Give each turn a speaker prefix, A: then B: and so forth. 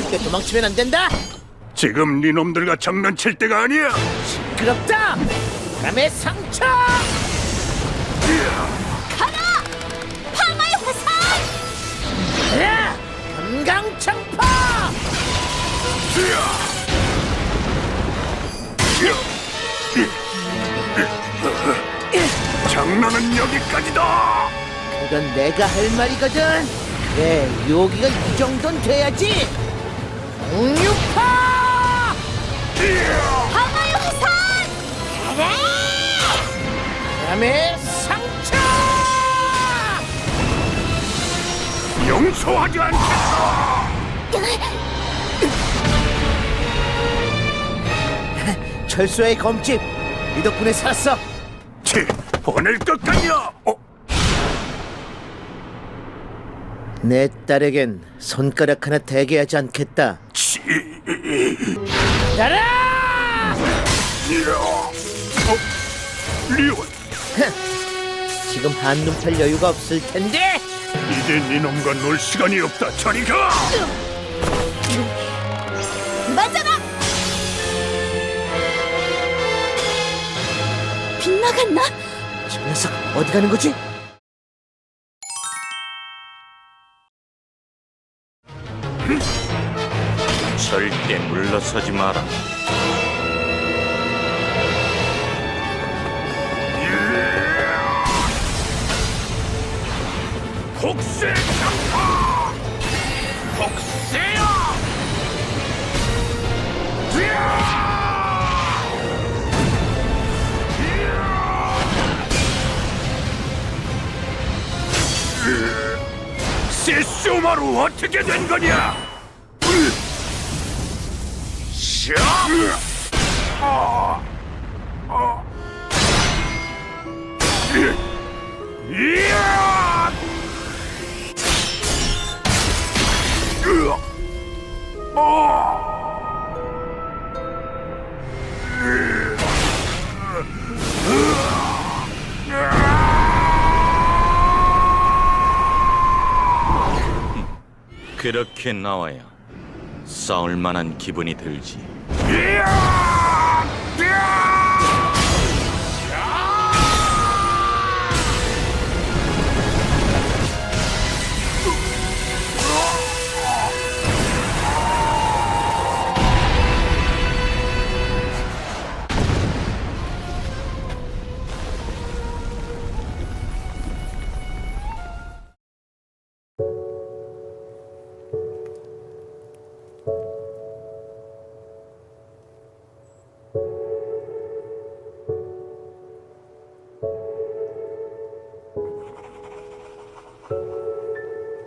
A: 쉽게 도망치면 안 된다.
B: 지금 네 놈들과 장난칠 때가 아니야.
A: 시끄럽다. 바람의 상처.
C: 가라! 파마의 화살!
A: 가라. 금강창파.
B: 장난은 여기까지다.
A: 그건 내가 할 말이거든. 그래, 여기가 이 정도는 돼야지. 공유파.
C: 파마의 화살! 가라!
A: 바람의 상처.
B: 용서하지 않겠어.
A: 철수의 검집. 이 덕분에 살았어.
B: 치, 보낼 것 같냐?
A: 내 딸에겐 손가락 하나 대게 하지 않겠다.
B: 치,
A: 따라!
B: 리온,
A: 지금 한눈 팔 여유가 없을 텐데.
B: 이제 네 놈과 놀 시간이 없다. 저리 가.
C: 맞아라! 빗나갔나?
A: 저 녀석 어디 가는 거지?
D: 절대 물러서지 마라.
B: 복세 장파. 복세야. 세쇼마루 어떻게 된 거냐?
D: 그렇게 나와야 싸울 만한 기분이 들지.
B: 이야!